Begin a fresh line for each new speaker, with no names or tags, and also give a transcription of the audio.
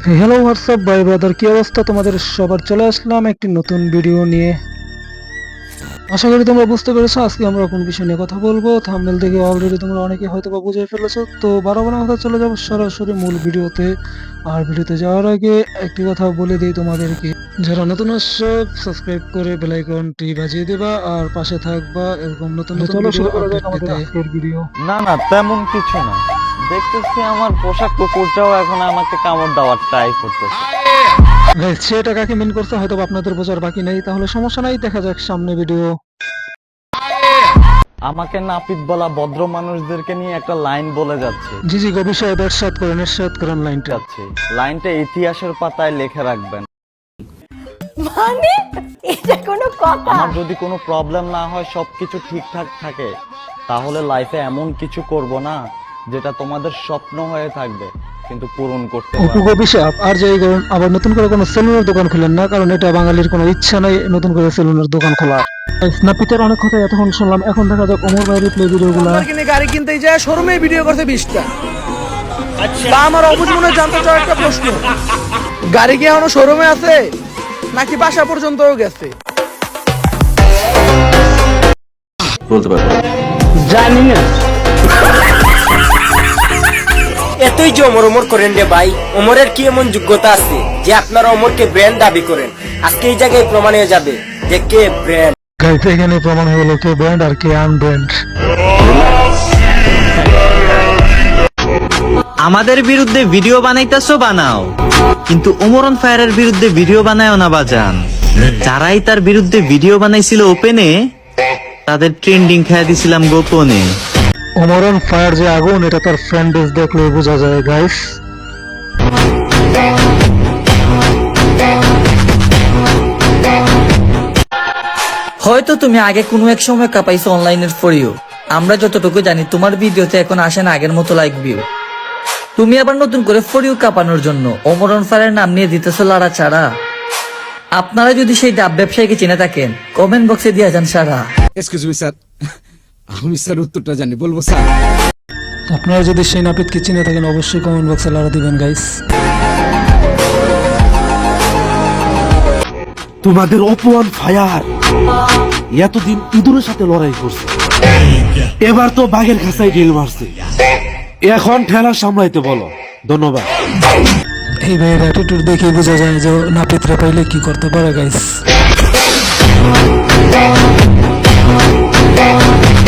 Hello WhatsApp ভাই brother, কি অবস্থা তোমাদের সবার? চলে আসলাম একটি নতুন ভিডিও নিয়ে। আশা করি তোমরা বুঝতে পেরেছো আজকে আমরা কোন বিষয় নিয়ে কথা বলবো। থাম্বনেল দেখে অলরেডি তোমরা অনেকে হয়তো বা বুঝে ফেলেছো। তো বারবার কথা চলে যাবো সরাসরি মূল ভিডিওতে। আর ভিডিওতে যাওয়ার আগে একটি কথা বলে দিই তোমাদেরকে, যারা নতুন আসছো সাবস্ক্রাইব করে বেল আইকনটি বাজিয়ে দেবা আর পাশে থাকবা এরকম নতুন নতুন ভিডিও আপডেট পেতে। আজকের ভিডিও
না না তেমন কিছু না, দেখতেছি আমার পোশাক কুকুরটাও এখন আমাকে কামড় দেওয়ার ট্রাই করতেছে।
গাইস, সেটা কাকে মিন করছে হয়তো আপনাদের বোঝার বাকি নেই, তাহলে সমস্যা নাই, দেখা যাক সামনে ভিডিও।
আমাকে নাপিত বলা ভদ্র মানুষদেরকে নিয়ে একটা লাইন বলে যাচ্ছে।
জি জি, বিষয়ে এরশাদ করেন লাইনটা।
লাইনটা ইতিহাসের পাতায় লিখে রাখবেন।
মানে এটা কোনো কথা?
আমার যদি কোনো প্রবলেম না হয়, সবকিছু ঠিকঠাক থাকে, তাহলে লাইফে এমন কিছু করব না যেটা তোমাদের স্বপ্ন হয়ে থাকবে কিন্তু পূরণ করতে পারবে না।
অভিশাপ আর যাই করুন, আবার নতুন করে কোনো সেলুনের দোকান খুলেন না, কারণ এটা বাঙালির কোনো ইচ্ছা নাই নতুন করে সেলুনের দোকান খোলা। স্ন্যাপিতের অনেক কথা এতক্ষণ শুনলাম, এখন দেখা যাক ওমর ভাইয়ের প্লে ভিডিওগুলো।
গাড়ি কিনতে যায় শোরুমে ভিডিও করতে 20টা। বা আমার অবুঝ মনে জানতে চাও একটা প্রশ্ন, গাড়ি কি এখনো শোরুমে আছে নাকি বাসা পর্যন্তও গেছে?
বলতে পারবো না।
জানি না।
এতই যে ওমর করেন রে ভাই, ওমরের কি এমন যোগ্যতা আছে যে আপনারা ওমরকে ব্র্যান্ড দাবি করেন? আজকে এই জায়গায় প্রমাণ হয়ে যাবে যে কে ব্র্যান্ড।
গাইস, এখানে প্রমাণ হয়ে গেল কে ব্র্যান্ড আর কে আনব্র্যান্ড।
আমাদের বিরুদ্ধে ভিডিও বানাইতেছো বানাও, কিন্তু ওমর অন ফায়ারের বিরুদ্ধে ভিডিও বানায়ও না বাজান। যারাই তার বিরুদ্ধে ভিডিও বানাইছিল ওপেনে, তাদের ট্রেন্ডিং খেয়ে দিছিলাম গোপনে।
ওমর অন ফায়ার যে আগুন, এটা তার ফ্যান বেস দেখলে বোঝা যায় গাইস।
হয়তো তুমি আগে কোনো এক সময় কাঁপাইছো অনলাইনের ফরিও। আমরা যতটুকু জানি তোমার ভিডিওতে এখন আসে না আগের মতো লাইক ভিউ। তুমি আবার নতুন করে ফরিও কাঁপানোর জন্য ওমর অন ফায়ারের নাম নিয়ে দিতেছো লাড়া ছাড়া। আপনারা যদি সেই ডাব ব্যবসায়ীকে চিনে থাকেন, কমেন্ট বক্সে দিয়ে যান সারা।
এক্সকিউজ মি স্যার, আমি স্যার উত্তরটা জানি, বলবো স্যার?
আপনারা যদি সেই নাপিতকে চিনে থাকেন অবশ্যই কমেন্ট বক্সে লাড়া দিবেন গাইস।
তোমাদের অপমান ফায়ার এতদিন ইঁদুরের সাথে লড়াই করছে, এবার তো বাঘের খাঁচায় ঢিল মারছে। এখন ঠেলা সামলাইতে বলো। ধন্যবাদ।
এই ভাইয়ের অ্যাটিটিউড দেখে বোঝা যায় যে নাপিতরা পাইলে কি করতে পারে গাইস।